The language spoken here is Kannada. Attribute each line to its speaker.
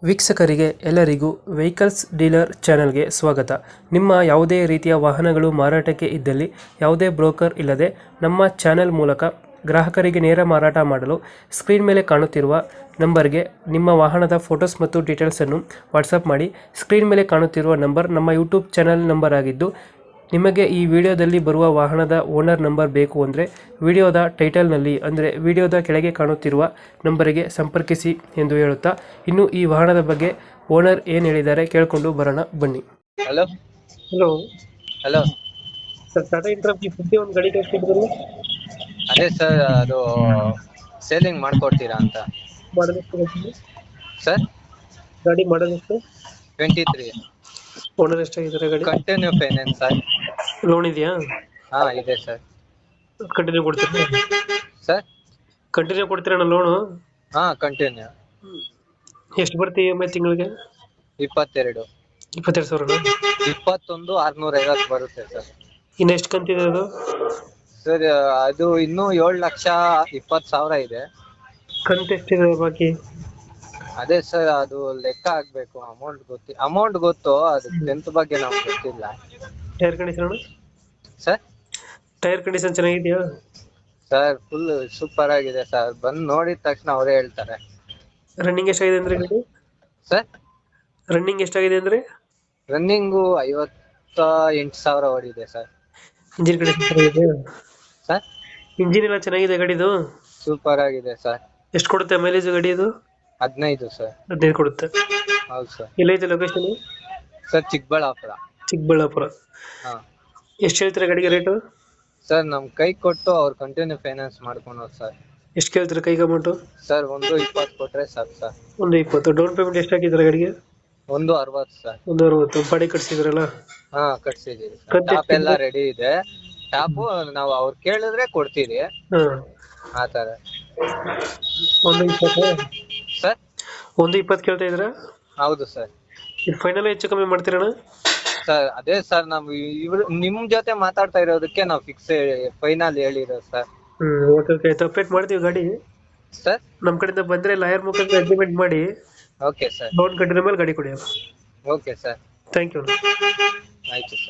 Speaker 1: ವೀಕ್ಷಕರಿಗೆ ಎಲ್ಲರಿಗೂ ವೆಹಿಕಲ್ಸ್ ಡೀಲರ್ ಚಾನೆಲ್ಗೆ ಸ್ವಾಗತ. ನಿಮ್ಮ ಯಾವುದೇ ರೀತಿಯ ವಾಹನಗಳು ಮಾರಾಟಕ್ಕೆ ಇದ್ದಲ್ಲಿ ಯಾವುದೇ ಬ್ರೋಕರ್ ಇಲ್ಲದೆ ನಮ್ಮ ಚಾನೆಲ್ ಮೂಲಕ ಗ್ರಾಹಕರಿಗೆ ನೇರ ಮಾರಾಟ ಮಾಡಲು ಸ್ಕ್ರೀನ್ ಮೇಲೆ ಕಾಣುತ್ತಿರುವ ನಂಬರ್ಗೆ ನಿಮ್ಮ ವಾಹನದ ಫೋಟೋಸ್ ಮತ್ತು ಡೀಟೇಲ್ಸನ್ನು ವಾಟ್ಸಪ್ ಮಾಡಿ. ಸ್ಕ್ರೀನ್ ಮೇಲೆ ಕಾಣುತ್ತಿರುವ ನಂಬರ್ ನಮ್ಮ ಯೂಟ್ಯೂಬ್ ಚಾನೆಲ್ ನಂಬರ್ ಆಗಿದ್ದು, ನಿಮಗೆ ಈ ವಿಡಿಯೋದಲ್ಲಿ ಬರುವ ವಾಹನದ ಓನರ್ ನಂಬರ್ ಬೇಕು ಅಂದರೆ ವಿಡಿಯೋದ ಟೈಟಲ್ನಲ್ಲಿ ಅಂದರೆ ವಿಡಿಯೋದ ಕೆಳಗೆ ಕಾಣುತ್ತಿರುವ ನಂಬರಿಗೆ ಸಂಪರ್ಕಿಸಿ ಎಂದು ಹೇಳುತ್ತಾ, ಇನ್ನು ಈ ವಾಹನದ ಬಗ್ಗೆ ಓನರ್ ಏನು ಹೇಳಿದ್ದಾರೆ ಕೇಳಿಕೊಂಡು ಬರೋಣ ಬನ್ನಿ.
Speaker 2: Hello
Speaker 1: hello
Speaker 2: hello
Speaker 1: sir, Tata Intra P50 ಒಂದು ಗಾಡಿ ಕಳಿಸ್ತಿದ್ರು,
Speaker 2: ಅದೇ ಸರ್, ಅದು ಸೇಲಿಂಗ್ ಮಾಡ್ಕೊಡ್ತೀರಾ ಅಂತ.
Speaker 1: ಮಾಡಲ್ ಎಷ್ಟು ಗಾಡಿ?
Speaker 2: ಸರ್
Speaker 1: ಗಾಡಿ ಮಾಡಲ್ ಎಷ್ಟು?
Speaker 2: 23
Speaker 1: ಓನರ್ ಎಷ್ಟಾಗಿದ್ದಾರೆ ಗಾಡಿ?
Speaker 2: Continue finance sir.
Speaker 1: ಲೋನ್ ಇದೆಯಾ?
Speaker 2: ಹಾ ಇದೆ ಸರ್.
Speaker 1: ಕಂಟಿನ್ಯೂ ಕೊಡ್ತೀರಾ?
Speaker 2: ಸರ್
Speaker 1: ಕಂಟಿನ್ಯೂ ಕೊಡ್ತೀರಣ್ಣ ಲೋನು?
Speaker 2: ಹಾ ಕಂಟಿನ್ಯೂ.
Speaker 1: ಎಷ್ಟು ಬರ್ತೀವಿ EMI ತಿಂಗಳಿಗೆ?
Speaker 2: 22
Speaker 1: 22,000.
Speaker 2: 21,650 ಬರುತ್ತೆ ಸರ್.
Speaker 1: ಇನ್ನು ಎಷ್ಟು ಕಂತಿದೆ ಅದು?
Speaker 2: ಸರ್ ಅದು ಇನ್ನೂ 7,20,000 ಇದೆ.
Speaker 1: ಕಂತು ಎಷ್ಟಿದೆ ಬಾಕಿ?
Speaker 2: ಅದೇ ಸರ್, ಅದು ಲೆಕ್ಕ ಆಗ್ಬೇಕು. ಅಮೌಂಟ್ ಗೊತ್ತು, ಅದು 10th ಬಗ್ಗೆ ನಮ್ಗೆ ಗೊತ್ತಿಲ್ಲ.
Speaker 1: Tyre condition?
Speaker 2: Sir
Speaker 1: tyre condition ಚೆನ್ನಾಗಿದೆಯಾ?
Speaker 2: ಸರ್ ಫುಲ್ ಸೂಪರ್ ಆಗಿದೆ ಸರ್, ಬಂದು ನೋಡಿದ ತಕ್ಷಣ ಅವರೇ ಹೇಳ್ತಾರೆ.
Speaker 1: ರನ್ನಿಂಗ್ ಎಷ್ಟಾಗಿದೆ ಅಂದ್ರೆ ಗಾಡಿ?
Speaker 2: ಸರ್
Speaker 1: ರನ್ನಿಂಗ್ ಎಷ್ಟಾಗಿದೆ ಅಂದ್ರೆ?
Speaker 2: ರನ್ನಿಂಗು 58,000 ಓಡಿದೆ ಸರ್.
Speaker 1: ಇಂಜಿನ್ ಕಂಡೀಷನ್ ಚೆನ್ನಾಗಿದೆ?
Speaker 2: ಸರ್
Speaker 1: ಇಂಜಿನ್ ಎಲ್ಲ ಚೆನ್ನಾಗಿದೆ ಗಾಡಿದು?
Speaker 2: ಸೂಪರ್ ಆಗಿದೆ ಸರ್.
Speaker 1: ಎಷ್ಟು ಕೊಡುತ್ತೆ ಮೈಲೇಜ್ ಗಾಡಿ ಇದು?
Speaker 2: 15 ಸರ್.
Speaker 1: 15 ಕೊಡುತ್ತೆ.
Speaker 2: ಹೌದು ಸರ್.
Speaker 1: ಎಲ್ಲೈತೆ ಲೊಕೇಶನ್?
Speaker 2: ಸರ್ ಚಿಕ್ಕಬಳ್ಳಾಪುರ.
Speaker 1: ಚಿಕ್ಕಬಳ್ಳಾಪುರ.
Speaker 2: ಹಾ
Speaker 1: ಎಷ್ಟು ಹೇಳ್ತೀರಾ ಗಾಡಿಗೆ ರೇಟು?
Speaker 2: ಸರ್ ನಮ್ ಕೈ ಕೊಟ್ಟು ಅವ್ರು ಕಂಟಿನ್ಯೂ ಫೈನಾನ್ಸ್ ಮಾಡ್ಕೊಳೋದು ಸರ್.
Speaker 1: ಎಷ್ಟು ಕೇಳ್ತೀರಾ ಕೈಗೆ ಅಮೌಂಟು?
Speaker 2: ಸರ್ 120 ಕೊಟ್ರೆ ಸಾಕು ಸರ್.
Speaker 1: 120. ಡೌನ್ ಪೇಮೆಂಟ್ ಎಷ್ಟು ಹಾಕಿದ್ದೀರಾ ಗಾಡಿಗೆ?
Speaker 2: 160 ಸರ್.
Speaker 1: 160. ಬಾಡಿ ಕಟ್ಸಿದ್ರಲ್ಲ?
Speaker 2: ಹಾ ಕಟ್ಸಿದೀವಿ ಸರ್.
Speaker 1: ಕಂತು
Speaker 2: ಟಾಪ್ ಎಲ್ಲ ರೆಡಿ ಇದೆ. ಟಾಪು ನಾವು ಅವ್ರು ಕೇಳಿದ್ರೆ ಕೊಡ್ತೀವಿ,
Speaker 1: ಹಾಂ.
Speaker 2: ಆತರ.
Speaker 1: 120?
Speaker 2: ಸರ್
Speaker 1: 120 ಕೇಳ್ತಾ ಇದ್ದೀರಾ?
Speaker 2: ಹೌದು ಸರ್.
Speaker 1: ಇದು ಫೈನಲ್ ಹೆಚ್ಚು ಕಮ್ಮಿ ಮಾಡ್ತೀರಣ್ಣ?
Speaker 2: ಸರ್ ಅದೇ ಸರ್, ನಾವು ನಿಮ್ ಜೊತೆ ಮಾತಾಡ್ತಾ ಇರೋದಕ್ಕೆ ನಾವು ಫೈನಲ್ ಹೇಳಿರೋದು ಸರ್.
Speaker 1: ಓಕೆ ಓಕೆ, ಆಯ್ತು. ಅಪ್ಡೇಟ್ ಮಾಡ್ತೀವಿ ಗಾಡಿ.
Speaker 2: ಸರ್
Speaker 1: ನಮ್ಮ ಕಡೆಯಿಂದ ಬಂದರೆ ಲಾಯರ್ ಮುಖಾಂತರ ಅಗ್ರಿಮೆಂಟ್ ಮಾಡಿ
Speaker 2: ಓಕೆ ಸರ್.
Speaker 1: ಲೋನ್ ಕಟ್ಟಿದ ಮೇಲೆ ಗಾಡಿ ಕೊಡಿ.
Speaker 2: Okay sir.
Speaker 1: Thank you.
Speaker 2: ಆಯ್ತು ಸರ್.